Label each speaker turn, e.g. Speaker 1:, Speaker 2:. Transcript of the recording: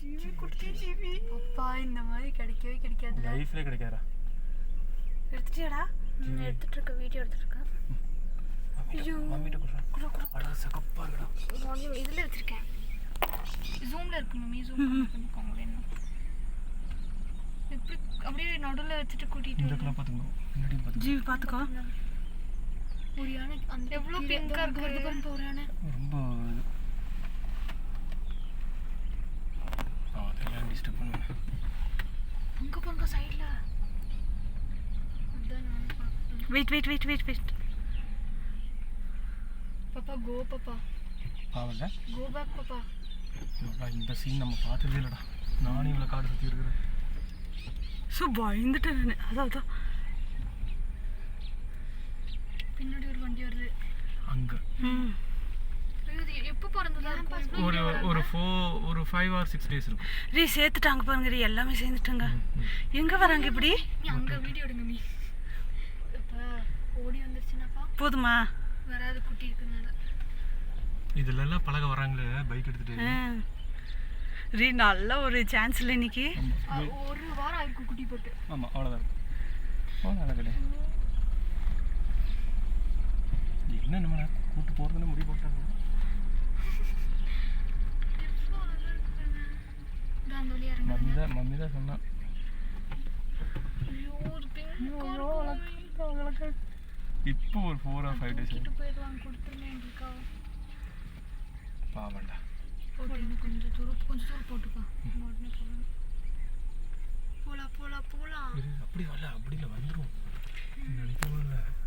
Speaker 1: அப்பா இந்த மாதிரி கிடைக்கவே கிடைக்காது,
Speaker 2: லைஃப்ல கிடைக்காதா.
Speaker 1: எடுத்துட்டியாடா? எடுத்துட்டு இருக்க, வீடியோ எடுத்துட்டு இருக்கேன். ஐயோ
Speaker 2: மம்மிட்ட குடுறா. அட சகப்பா இருக்குடா.
Speaker 1: இதுல வச்சிருக்கேன், ஜூம்ல இருக்கு மம்மி, ஜூம் பண்ணிக்கோங்க வேணும். எப்படி அப்படியே நடுவுல வச்சுட்டு கூட்டிட்டு
Speaker 2: இந்த கலா பாத்துங்க, முன்னாடி பாத்துங்க.
Speaker 1: ஜீவி பாத்துக்கோ. ஒரு யானை அந்த எவ்வளவு பிங்கா இருக்கு பாருங்க, ஒரு யானை
Speaker 2: ரொம்ப அதெல்லாம் டிஸ்டர்ப் பண்ணுவேன்.
Speaker 1: அங்க பாருங்க சைடுல. அதான் நான் பார்த்தேன். வெயிட் பாப்பா, கோ பாப்பா,
Speaker 2: பாவல்ல
Speaker 1: கோ பேக் பாப்பா.
Speaker 2: இந்த சீன் நம்ம பார்த்ததே இல்லடா. நானும் இவ்வளோ காடு சுற்றி இருக்கிறேன்.
Speaker 1: பயந்துட்டேன் நான். அதான் பின்னாடி ஒரு வண்டி வருது
Speaker 2: அங்கே.
Speaker 1: எப்போ பிறந்ததா
Speaker 2: ஒரு 5 or 6 days இருக்கும்.
Speaker 1: ரீ சேர்த்துட்டாங்க பாருங்க, ரீ எல்லாமே சேர்ந்துட்டாங்க. எங்கே வராங்க இப்படி? அங்கே வீடியோ எடுங்க மீ. இப்போ ஓடி வந்துருச்சுனாப்பா போதுமா? வராது, குட்டி இருக்குனால.
Speaker 2: இதுலலாம் பழக வராங்களே பைக் எடுத்துட்டு.
Speaker 1: ரீ நல்ல ஒரு சான்ஸ் இல்லை இன்னைக்கு.
Speaker 3: ஒரு வாரம் ஆயிருக்கும் குட்டி போட்டு.
Speaker 2: ஆமாம், அவ்வளோதான் இருக்கும். நடக்கல என்ன நம்ம கூட்டு போகிறதுன்னு முடிவு போட்டாங்க. மம்மி தான் சொன்னான். இப்போ ஒரு 4 or 5 days பாவண்டா.
Speaker 3: கொஞ்சம் தூரம் போட்டுக்கோ. போலாம்
Speaker 2: அப்படி வரல, அப்படி இல்லை வந்துடும் நினைக்கவே இல்லை.